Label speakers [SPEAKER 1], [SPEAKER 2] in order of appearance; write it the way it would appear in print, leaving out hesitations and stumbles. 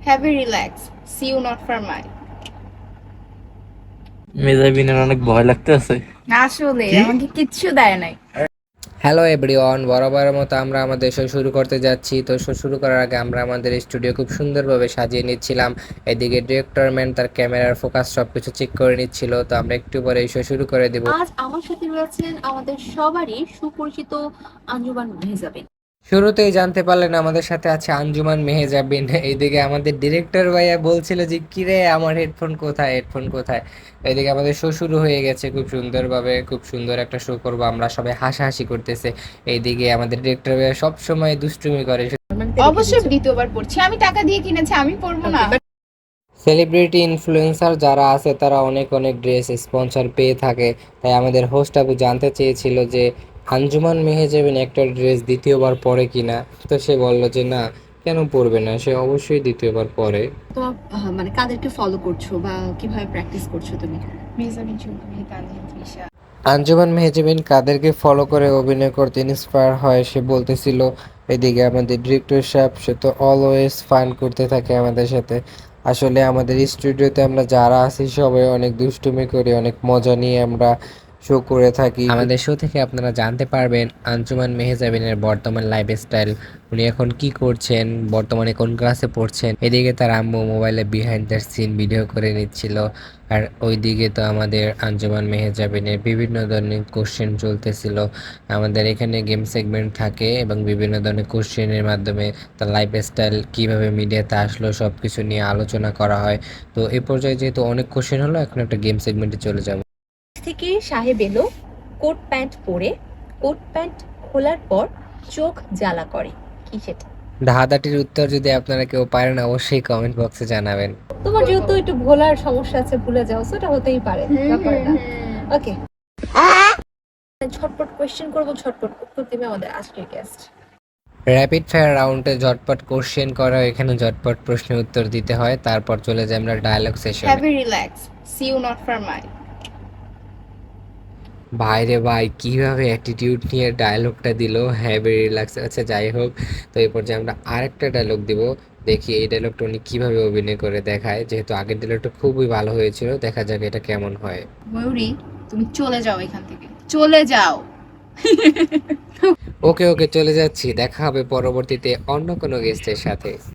[SPEAKER 1] Have a relax. See you not for mine.
[SPEAKER 2] মেজাবিনের অনেক ভয় লাগতেছে।
[SPEAKER 1] আসলে আমাকে কিচ্ছু দেয় নাই।
[SPEAKER 3] হ্যালো এভরিওয়ান, বরাবরের মতো আমরা আমাদের শো শুরু করতে যাচ্ছি। তো শো শুরু করার আগে আমরা আমাদের স্টুডিও খুব সুন্দরভাবে সাজিয়ে নিচ্ছিলাম। এদিকে ডিরেক্টর ম্যান তার ক্যামেরার ফোকাস সবকিছু চেক করে নিচ্ছিল। তো আমরা একটু পরে এই শো শুরু করে দেব।
[SPEAKER 4] আজ আমার সাথে রয়েছেন আমাদের সবারই সুপরিচিত আঞ্জুমান মেহজাবিন।
[SPEAKER 3] শুরুতেই জানতে পারলেন আমাদের সাথে আছে আঞ্জুমান মেহেজাবিন। এইদিকে আমাদের ডিরেক্টর ভাইয়া বলছিল যে কিরে আমার হেডফোন কোথায়, হেডফোন কোথায়। এইদিকে আমাদের শো শুরু হয়ে গেছে খুব সুন্দরভাবে, খুব সুন্দর একটা শো করবো আমরা, সবাই হাসাহাসি করতেছে। এইদিকে আমাদের ডিরেক্টর ভাইয়া সব সময় দুষ্টুমি করে।
[SPEAKER 1] অবশ্যই দ্বিতীয়বার পড়ছি, আমি টাকা দিয়ে কিনেছি, আমি পড়বো না।
[SPEAKER 3] সেলিব্রিটি ইনফ্লুয়েন্সার যারা আছে তারা অনেক অনেক ড্রেস স্পন্সর পেয়ে থাকে। তাই আমাদের হোস্ট আপু জানতে চেয়েছিল যে আঞ্জুমান মেহেজাবিন একটা ড্রেস দ্বিতীয়বার পরে কিনা। তো সে বলল যে না, কেন পরবে না, সে অবশ্যই দ্বিতীয়বার পরে।
[SPEAKER 4] তোমার মানে কাদেরকে ফলো করছো বা কিভাবে প্র্যাকটিস করছো তুমি?
[SPEAKER 1] মেজাবিন চৌধুরী, তানজিম তৃষা।
[SPEAKER 3] আঞ্জুমান মেহেজাবিন কাদেরকে ফলো করে অভিনয় করতে ইন্সপায়ার হয় সে বলতেছিল। এদিকে আমাদের ডিরেক্টর সাহেব সে তো অলওয়েজ ফান করতে থাকে আমাদের সাথে। আসলে আমাদের স্টুডিওতে আমরা যারা আছি সবাই অনেক দুষ্টুমি করি, অনেক মজা নিয়ে আমরা শো করে থাকি। আমাদের শো থেকে আপনারা জানতে পারবেন আঞ্জুমান মেহেজাবিনের বর্তমান লাইফস্টাইল, উনি এখন কি করছেন, বর্তমানে কোন ক্লাসে পড়ছেন। এদিকে তার আম্মু মোবাইলে বিহাইন্ড দ্য সিন ভিডিও করে নিচ্ছিল। আর ওইদিকে তো আমাদের আঞ্জুমান মেহেজাবিনের বিভিন্ন ধরনের কোশ্চেন চলতেছিল। আমাদের এখানে গেম সেগমেন্ট থাকে এবং বিভিন্ন ধরনের কোশ্চেনের মাধ্যমে তার লাইফস্টাইল কিভাবে মিডিয়াতে আসলো সব কিছু নিয়ে আলোচনা করা হয়। তো এই পর্যায়ে যেহেতু অনেক কোশ্চেন হলো, এখন একটা গেম সেগমেন্টে চলে যাব।
[SPEAKER 4] থেকে সাহেব এলো কোট প্যান্ট পরে, কোট প্যান্ট খোলার পর চোখ জ্বালা করে, কি সেটা?
[SPEAKER 3] ধাঁধাটির উত্তর যদি আপনারা কেউ পারেন অবশ্যই কমেন্ট বক্সে জানাবেন।
[SPEAKER 4] তোমার যেহেতু একটু ভোলার সমস্যা আছে, ভুলে যাও, সেটা হতেই পারে, ব্যাপার না। ওকে, ঝটপট কোয়েশ্চেন করবো, ঝটপট উত্তর দিবে আমাদের আজকের গেস্ট।
[SPEAKER 3] র্যাপিড ফায়ার রাউন্ডে ঝটপট কোশ্চেন করা হয়, এখানে ঝটপট প্রশ্নের উত্তর দিতে হয়, তারপর চলে যাই আমরা ডায়ালগ সেশনে।
[SPEAKER 1] Have a relax. See you not for mine.
[SPEAKER 3] ভাইরে ভাই কিভাবে অ্যাটিটিউড নিয়ে ডায়লগটা দিল, হ্যাভি রিল্যাক্স। আচ্ছা যাই হোক, তো এই পর্যায়ে আমরা আরেকটা ডায়লগ দিব। দেখি এই ডায়লগটা উনি কিভাবে অভিনয় করে দেখায়, যেহেতু আগের ডায়লগটা খুবই ভালো হয়েছিল, দেখা যাক এটা কেমন হয়।
[SPEAKER 1] ময়ূরী, তুমি চলে যাও এখান থেকে, চলে যাও।
[SPEAKER 3] ওকে ওকে, চলে যাচ্ছি, দেখা হবে পরবর্তীতে অন্য কোনো গেস্টের সাথে।